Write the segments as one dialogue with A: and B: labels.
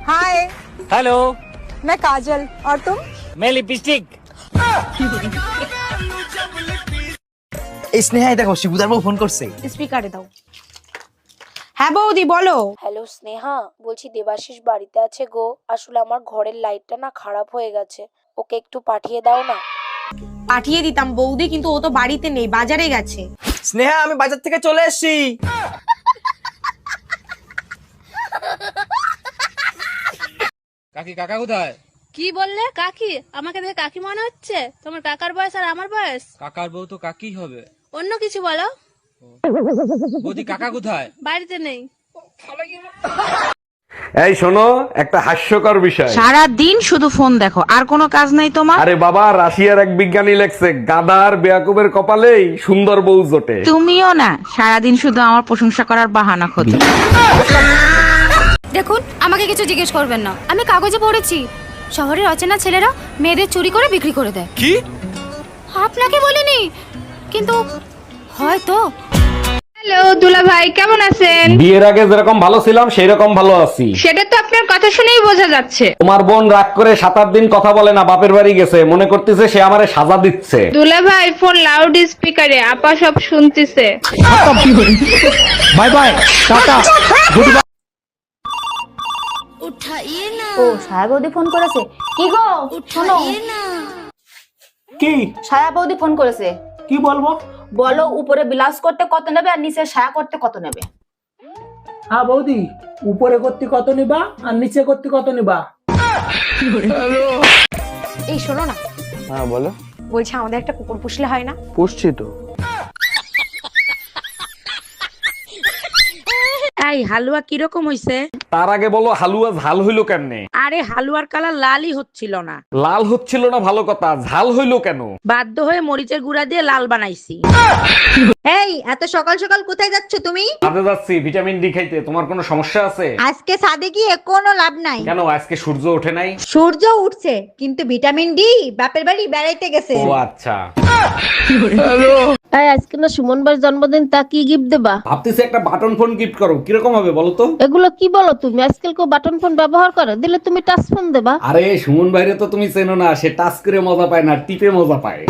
A: हाय।
B: Hello.
A: मैं काजल और तुम?
B: मैं लिपस्टिक।
C: এই স্নেহাই দেখো শিবুদার বউ ফোন করছে।
A: স্পিকারে দাও। হ্যাঁ বৌদি বলো।
D: হ্যালো স্নেহা, বলছি দেবাশিস বাড়িতে আছে গো। আসলে আমার ঘরের লাইটটা না খারাপ হয়ে গেছে, ওকে একটু পাঠিয়ে দাও না।
A: পাঠিয়ে দিতাম বৌদি, কিন্তু ও তো বাড়িতে নেই, বাজারে গেছে।
C: স্নেহা আমি বাজার থেকে চলে এসেছি।
B: কাকি কাকা কোথায়?
E: কি বললে? কাকি? আমাকে দেখে কাকি মনে হচ্ছে? তোমার কাকার বয়স আর আমার বয়স।
B: কাকার বউ তো কাকি হবে।
E: অন্য কিছু বলো।
B: বৌদি কাকা কোথায়?
E: বাড়িতে নেই।
F: এই শোনো, একটা হাস্যকর বিষয়।
G: সারা দিন শুধু ফোন দেখো, আর কোনো কাজ নাই তোমার?
F: আরে বাবা, রাশিয়ার এক বিজ্ঞানী লেখছে গাধার বেয়াকুবের কপালেই সুন্দর বউ জোটে।
G: তুমিও না সারাদিন শুধু আমার প্রশংসা করার বাহানা খোঁজো।
H: দেখুন, আমাকে কিছু জিজ্ঞেস করবেন না। আমি কাগজে পড়েছি শহরের অচেনা ছেলেরা মেয়েদের চুরি করে বিক্রি করে দেয়।
C: কি?
H: আপনাকে বলিনি, কিন্তু হয়তো।
E: হ্যালো দুলা ভাই, কেমন আছেন?
F: বিয়ের আগে যেরকম ভালো ছিলাম সেই রকম ভালো আছি।
E: সেটা তো আপনার কথা শুনেই বোঝা যাচ্ছে।
F: তোমার বোন রাগ করে 7-8 দিন কথা বলে না, বাপের বাড়ি গেছে, মনে করতেছে সে আমারে সাজা দিচ্ছে।
E: দুলা ভাই ফোন লাউড স্পিকারে, আপা সব শুনতেছে।
F: Bye bye, tata, goodbye.
H: ও ছায়া বৌদি ফোন করেছে। কি গো শোনো।
I: কি
H: ছায়া বৌদি ফোন করেছে।
I: কি বলবো?
H: বলো উপরে ব্লাউজ করতে কত নেবে আর নিচে ছায়া করতে কত নেবে।
I: হ্যাঁ বৌদি, উপরে করতে কত নিবা আর নিচে করতে কত নিবা?
A: এই শোনো না,
C: হ্যাঁ বলো।
A: বলছি আমাদের একটা কুকুর পুষলে হয় না?
C: পুষছি তো।
G: এই হালুয়া কিরকম হইছে?
F: তার আগে বলো হালুয়া ঝাল হইলো কেমনে?
G: আরে হালুয়ার কালার লালই হচ্ছিল না।
F: লাল হচ্ছিল না ভালো কথা, ঝাল হইলো কেন?
G: বাধ্য হয়ে মরিচের গুঁড়া দিয়ে লাল বানাইছি।
J: এই এত সকাল সকাল কোথায় যাচ্ছ তুমি?
F: কাজে যাচ্ছি ভিটামিন ডি খাইতে। তোমার কোনো সমস্যা আছে?
J: আজকে ছাদে গিয়ে কোনো লাভ নাই।
F: কেন, আজকে সূর্য ওঠে নাই?
J: সূর্য উঠছে, কিন্তু ভিটামিন ডি বাপের বাড়ি বেড়াইতে গেছে।
F: ও আচ্ছা।
E: আজকে না সুমন ভাইয়ের জন্মদিন, তা কি গিফট দেবা?
F: ভাবতেছি একটা বাটন ফোন গিফট করো, কিরকম হবে বলো তো?
E: এগুলো কি বলো তুমি? আজকাল কেউ বাটন ফোন ব্যবহার করে? দিলে তুমি টাচ ফোন দেবা।
F: আরে সুমন ভাইরে তো তুমি চেনো না, সে টাচ করে মজা পায় না, টিপে মজা পায়।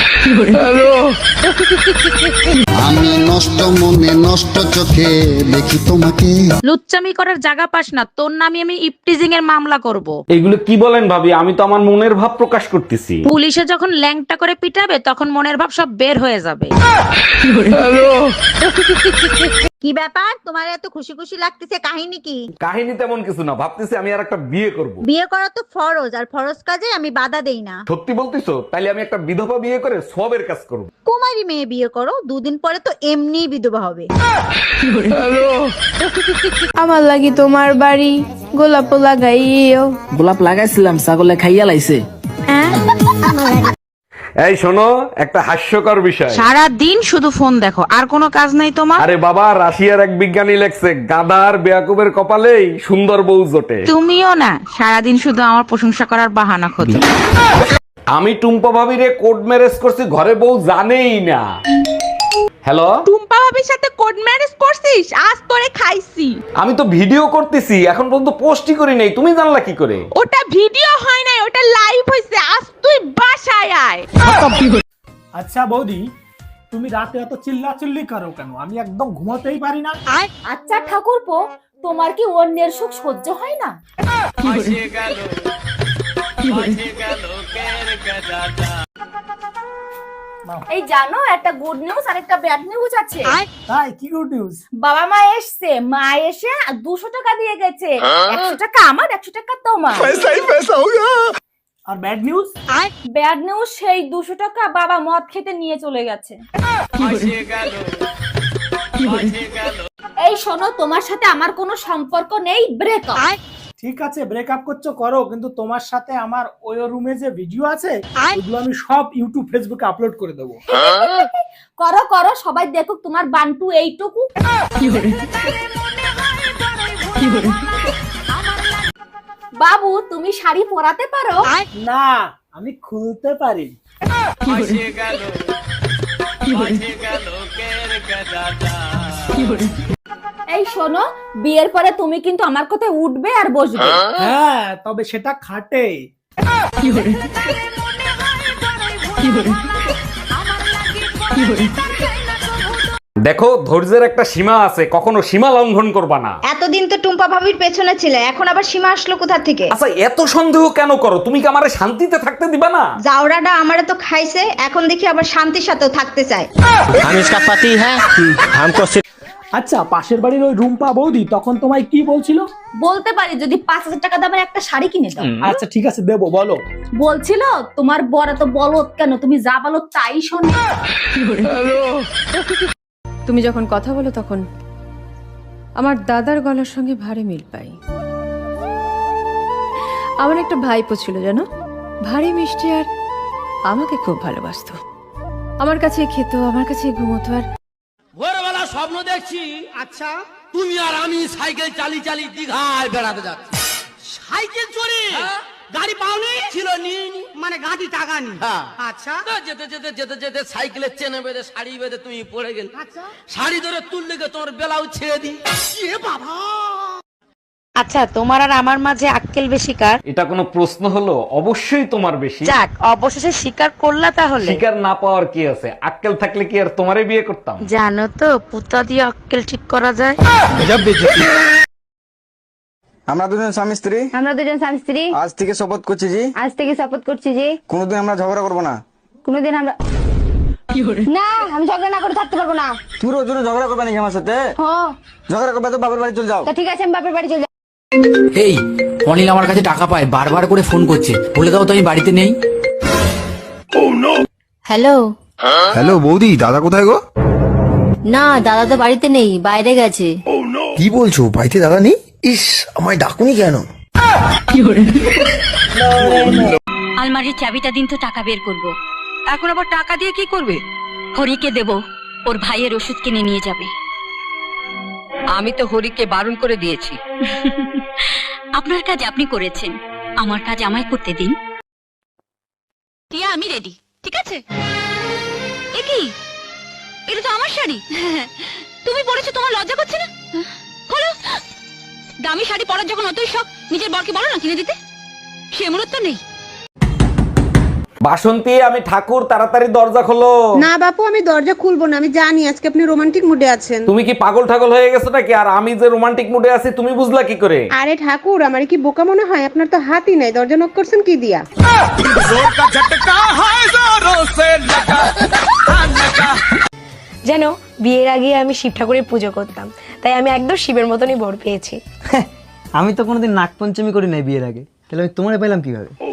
K: আমি নষ্ট মনে নষ্ট চোখে দেখি তোমাকে।
G: লুচ্চামি করার জায়গা পাস না, তোর নামে আমি ইপটিজিং এর মামলা করব।
F: এগুলো কি বলেন ভাবি? আমি তো আমার মনের ভাব প্রকাশ করতেছি।
G: পুলিশে যখন ল্যাংটা করে পিটাবে তখন মনের ভাব সব বের হয়ে যাবে।
J: কি ব্যাপার, তোমার এত খুশি খুশি লাগতেছে, কাহিনী কি?
F: কাহিনী তেমন কিছু না, ভাবতেছি আমি আর একটা বিয়ে করব।
J: বিয়ে করা তো ফরজ, আর ফরজ কাজে আমি বাধা দেই না।
F: সত্যি বলতিছো? তাইলে আমি একটা বিধবা বিয়ে করে সবের কাজ করব।
J: কুমারী মেয়ে বিয়ে করো, দুদিন পরে তো এমনি বিধবা হবে।
E: আমার লাগি তোমার বাড়ি গোলাপ লাগাইও।
C: গোলাপ লাগাইছিলাম, ছাগলে খাইয়া লাইছে।
F: এই শোনো, একটা হাস্যকর বিষয়।
G: সারা দিন শুধু ফোন দেখো, আর কোনো কাজ নাই তোমার?
F: আরে বাবা, রাশিয়ার এক বিজ্ঞানী লেখছে গাধার বেয়াকুবের কপালেই সুন্দর বউ জোটে।
G: তুমিও না সারাদিন শুধু আমার প্রশংসা করার বাহানা খোঁজো।
F: আমি টুম্পা ভাবিরে কোড ম্যারেজ করছি, ঘরে বউ জানেই না। হ্যালো,
G: টুম্পা ভাবির সাথে কোড ম্যারেজ করছিস? আজ তোরে খাইছি।
F: আমি তো ভিডিও করতেছি, এখন পর্যন্ত পোস্টই করি নাই, তুমি জানলা কি করে?
G: ওটা ভিডিও হয় নাই, ওটা লাইভ হইছে। আজ তুই বাসায় আয়।
I: আচ্ছা বৌদি, তুমি রাতে এত চিল্লাচিল্লি করো কেন? আমি একদম ঘুমাতেই পারি না।
H: আচ্ছা ঠাকুরপো, তোমার কি অন্যের সুখ সহ্য হয় না? এই জানো, একটা গুড নিউজ আর একটা ব্যাড নিউজ আছে।
I: তাই কি গুড নিউজ?
H: বাবা মা এসছে, মা এসে 200 টাকা দিয়ে গেছে। 100 টাকা আমার, 100 টাকা তোমার।
I: আর ব্যাড নিউজ?
H: ব্যাড নিউজ, সেই 200 টাকা বাবা মদ খেতে নিয়ে চলে গেছে। এই শোনো, তোমার সাথে আমার কোনো সম্পর্ক নেই, ব্রেকআপ।
I: ঠিক আছে, ব্রেকআপ করছো করো, কিন্তু তোমার সাথে আমার ওই রুমে যে ভিডিও আছে ওগুলো আমি সব ইউটিউব ফেসবুকে আপলোড করে দেবো।
H: করো করো, সবাই দেখুক তোমার বান্টু এইটুকু। বাবু, তুমি শাড়ি পরাতে পারো?
I: না, আমি খুলতে পারি।
G: এই শোনো, বিয়ের পরে তুমি কিন্তু আমার কথায় উঠবে আর বসবে।
I: হ্যাঁ, তবে সেটা খাটে।
F: দেখো, ধৈর্যের একটা সীমা আছে, কখনো সীমা লঙ্ঘন করবা না।
J: এতদিন তো টুম্পা ভাবির পেছনে ছিলে, এখন আবার সীমা আসলো কোথা থেকে?
F: আচ্ছা, এত সন্দেহ কেন করো? তুমি কি আমারে শান্তিতে থাকতে দিবা না?
J: জাউরাটা আমারে তো খাইছে, এখন দেখি আবার শান্তির সাথেও থাকতে চায়।
I: আচ্ছা, পাশের বাড়ির ওই রুম্পা বৌদি তখন তোমায় কি বলছিল?
G: বলতে পারি, যদি 5,000 টাকা দামের একটা শাড়ি কিনে দাও।
I: আচ্ছা ঠিক আছে, দেবো, বলো।
G: বলছিল তোমার বড় তো বলত কেন, তুমি যা বলো তাই শোনো।
E: তুমি যখন কথা বলো তখন আমার দাদার গলার সঙ্গে ভারী মিল পাই। আমার একটা ভাইপো ছিল জানো, ভারী মিষ্টি, আর আমাকে খুব ভালোবাসতো। আমার কাছে খেত, আমার কাছে ঘুমোতো। আর
B: ভোরবেলা স্বপ্ন দেখছি, আচ্ছা তুমি আর আমি সাইকেল চালিয়ে চালিয়ে দীঘায় বেড়াতে যাচ্ছি। সাইকেল চড়ে গাড়ি পাওনি ছিল, নিইনি, মানে গাড়ি টাকা নি। আচ্ছা, যেতে যেতে যেতে যেতে সাইকেলের চেনে বেঁধে শাড়ি বেঁধে তুমি পড়ে গেল। শাড়ি ধরে তুললে তোমার বেলাও ছেড়ে দিই। বাবা,
D: আচ্ছা, তোমার আর আমার মাঝে আক্কেল বেশি কার?
F: এটা কোনো প্রশ্ন হলো? অবশ্যই তোমার বেশি।
D: যাক, অবশেষে স্বীকার করলা তাহলে।
F: শিকার না পাওয়ার কি আছে? আক্কেল থাকলে কি আর তোমারে বিয়ে করতাম?
D: জানো তো, পুতা দিয়ে আক্কেল ঠিক করা যায়।
C: আমরা দুজন স্বামী স্ত্রী,
H: আমরা দুজন স্বামী স্ত্রী
C: আজ থেকে শপথ করছি জি,
H: আজ থেকে শপথ করছি যে
C: কোনোদিন আমরা ঝগড়া করবো না।
H: কোনোদিন আমরা না, আমি ঝগড়া না করে থাকতে পারবো না।
C: তুমি রোজ রোজ ঝগড়া করবে নাকি আমার সাথে?
H: হ্যাঁ,
C: ঝগড়া করবে তো বাপের বাড়ি চলে যাও।
H: তা ঠিক আছে, আমি বাপের বাড়ি চলে যাবো।
C: এই অনিল আমার কাছে টাকা পায়, বারবার করে ফোন করছে, বলে দাও তো আমি বাড়িতে নেই।
H: হ্যালো।
C: হ্যালো বৌদি, দাদা কোথায় গো?
H: না, দাদা তো বাড়িতে নেই, বাইরে গেছে।
C: কি বলছো, বাড়িতে দাদা নেই? ইস, আমায় ডাকুনি কেন?
H: আলমারির চাবিটা দিন তো, টাকা বের করব। এখন আবার টাকা দিয়ে কি করবে? হরিকে দেব, ওর ভাইয়ের ওষুধ কিনে নিয়ে যাবে।
G: আমি তো হরিকে বারণ করে দিয়েছি।
H: আপনার কাজ আপনি করেছেন, আমার কাজ আমায় করতে দিন। টিয়া, আমি রেডি, ঠিক আছে? এ কি, এটা তো আমার শাড়ি। তুমি পরেছো, তোমার লজ্জা করছে না? খোলো। দামি শাড়ি পরার যখন অতই শখ, নিজের বরকে বলো না কিনে দিতে। সে মূলত নেই।
F: বাসন্তী, আমি ঠাকুর, তাড়াতাড়ি দরজা খোলো।
G: না বাপু, আমি দরজা খুলবো না, আমি জানি আজকে আপনি রোমান্টিক মুডে আছেন।
F: তুমি কি পাগল ঠাগল হয়ে গেছো নাকি? আর আমি যে রোমান্টিক মুডে আছি তুমি বুঝলা কি করে?
G: আরে ঠাকুর, আমার কি বোকা মনে হয়? আপনার তো হাতই নাই, দরজা নক করছেন কি দিয়া?
A: জানো, বিয়ের আগে আমি শিব ঠাকুরের পুজো করতাম, তাই আমি একদম শিবের মতনই বর পেয়েছি।
C: আমি তো কোনোদিন নাগপঞ্চমী করি নাই বিয়ের আগে, তাহলে আমি তোমারে পেলাম কিভাবে?